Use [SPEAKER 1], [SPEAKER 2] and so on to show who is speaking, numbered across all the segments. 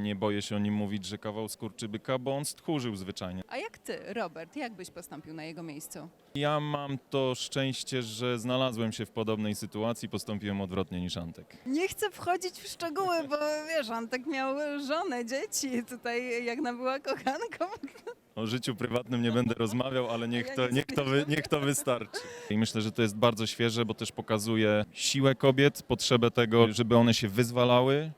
[SPEAKER 1] nie boję się o nim mówić, że kawał skurczybyka, bo on stchórzył zwyczajnie.
[SPEAKER 2] A jak ty, Robert, jak byś postąpił na jego miejscu?
[SPEAKER 1] Ja mam to szczęście, że znalazłem się w podobnej sytuacji, postąpiłem odwrotnie niż Antek.
[SPEAKER 2] Nie chcę wchodzić w szczegóły, bo wiesz, Antek miał żonę, dzieci, tutaj Jagna była kochanką.
[SPEAKER 1] O życiu prywatnym nie będę rozmawiał, ale niech to wystarczy. I myślę, że to jest bardzo świeże, bo też pokazuje siłę kobiet, potrzebę tego, żeby one się wyzwalały.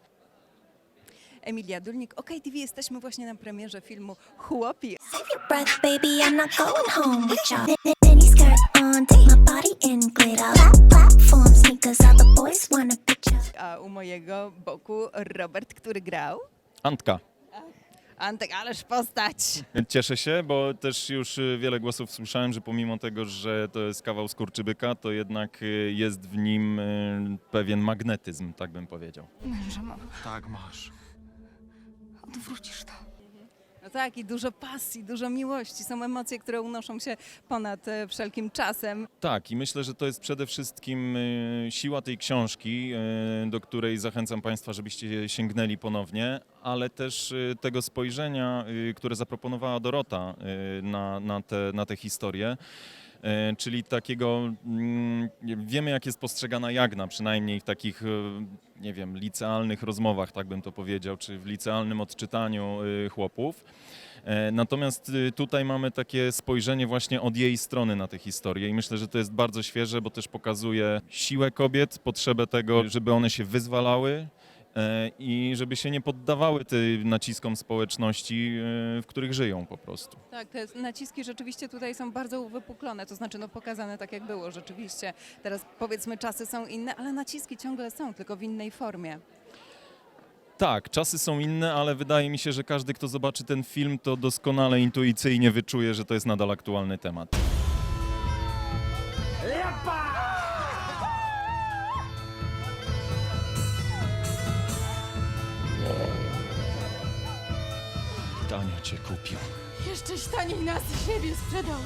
[SPEAKER 2] Emilia Dulnik, OK TV, jesteśmy właśnie na premierze filmu Chłopi.
[SPEAKER 3] Save your breath, baby, I'm not going home with y'all. Mini skirt on, take my body in glitter. Platform sneakers, all the boys wanna picture.
[SPEAKER 2] A u mojego boku Robert, który grał.
[SPEAKER 1] Antka.
[SPEAKER 2] Antek, ależ postać.
[SPEAKER 1] Cieszę się, bo też już wiele głosów słyszałem, że pomimo tego, że to jest kawał skurczybyka, to jednak jest w nim pewien magnetyzm, tak bym powiedział.
[SPEAKER 4] Męża mam.
[SPEAKER 5] Tak, masz.
[SPEAKER 4] Odwrócisz to.
[SPEAKER 2] No tak, i dużo pasji, dużo miłości. Są emocje, które unoszą się ponad wszelkim czasem.
[SPEAKER 1] Tak, i myślę, że to jest przede wszystkim siła tej książki, do której zachęcam Państwa, żebyście sięgnęli ponownie, ale też tego spojrzenia, które zaproponowała Dorota na tę historię. Czyli takiego, wiemy jak jest postrzegana Jagna, przynajmniej w takich, nie wiem, licealnych rozmowach, tak bym to powiedział, czy w licealnym odczytaniu chłopów. Natomiast tutaj mamy takie spojrzenie właśnie od jej strony na tę historię i myślę, że to jest bardzo świeże, bo też pokazuje siłę kobiet, potrzebę tego, żeby one się wyzwalały i żeby się nie poddawały tym naciskom społeczności, w których żyją po prostu.
[SPEAKER 2] Tak, te naciski rzeczywiście tutaj są bardzo uwypuklone, to znaczy pokazane tak jak było rzeczywiście. Teraz powiedzmy czasy są inne, ale naciski ciągle są, tylko w innej formie.
[SPEAKER 1] Tak, czasy są inne, ale wydaje mi się, że każdy, kto zobaczy ten film, to doskonale intuicyjnie wyczuje, że to jest nadal aktualny temat. Tania cię kupił.
[SPEAKER 4] Jeszcze taniej nas i siebie sprzedał.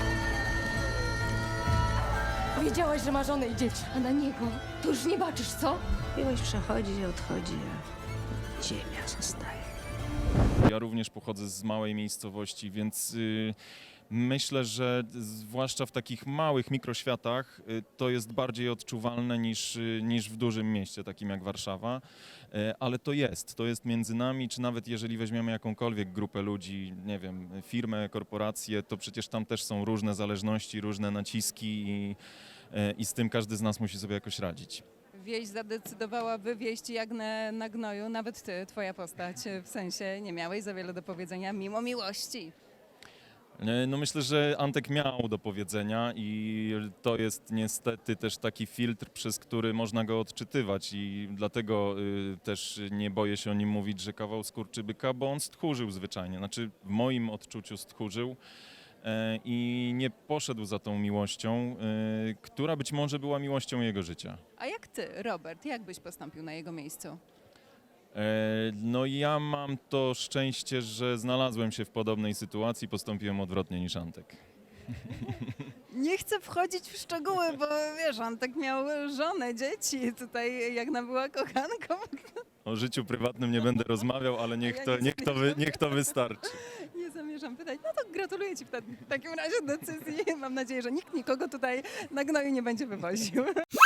[SPEAKER 4] Wiedziałaś, że ma żonę i dzieci, a na niego to już nie baczysz, co?
[SPEAKER 6] Miłość przechodzi i odchodzi, a ziemia zostaje.
[SPEAKER 1] Ja również pochodzę z małej miejscowości, więc myślę, że zwłaszcza w takich małych mikroświatach to jest bardziej odczuwalne niż w dużym mieście, takim jak Warszawa. Ale to jest między nami, czy nawet jeżeli weźmiemy jakąkolwiek grupę ludzi, nie wiem, firmę, korporację, to przecież tam też są różne zależności, różne naciski i z tym każdy z nas musi sobie jakoś radzić.
[SPEAKER 2] Wieś zadecydowała wywieźć Jagnę na gnoju, nawet ty, twoja postać, w sensie nie miałeś za wiele do powiedzenia mimo miłości.
[SPEAKER 1] No myślę, że Antek miał do powiedzenia i to jest niestety też taki filtr, przez który można go odczytywać i dlatego też nie boję się o nim mówić, że kawał skurczybyka, bo on stchórzył zwyczajnie, znaczy w moim odczuciu stchórzył i nie poszedł za tą miłością, która być może była miłością jego życia.
[SPEAKER 2] A jak ty, Robert, jak byś postąpił na jego miejscu?
[SPEAKER 1] No ja mam to szczęście, że znalazłem się w podobnej sytuacji, postąpiłem odwrotnie niż Antek.
[SPEAKER 2] Nie chcę wchodzić w szczegóły, bo wiesz, Antek miał żonę, dzieci, tutaj Jagna była kochanką.
[SPEAKER 1] O życiu prywatnym nie będę rozmawiał, ale niech to wystarczy.
[SPEAKER 2] Nie zamierzam pytać. No to gratuluję ci w takim razie decyzji. Mam nadzieję, że nikt nikogo tutaj na gnoju nie będzie wywoził.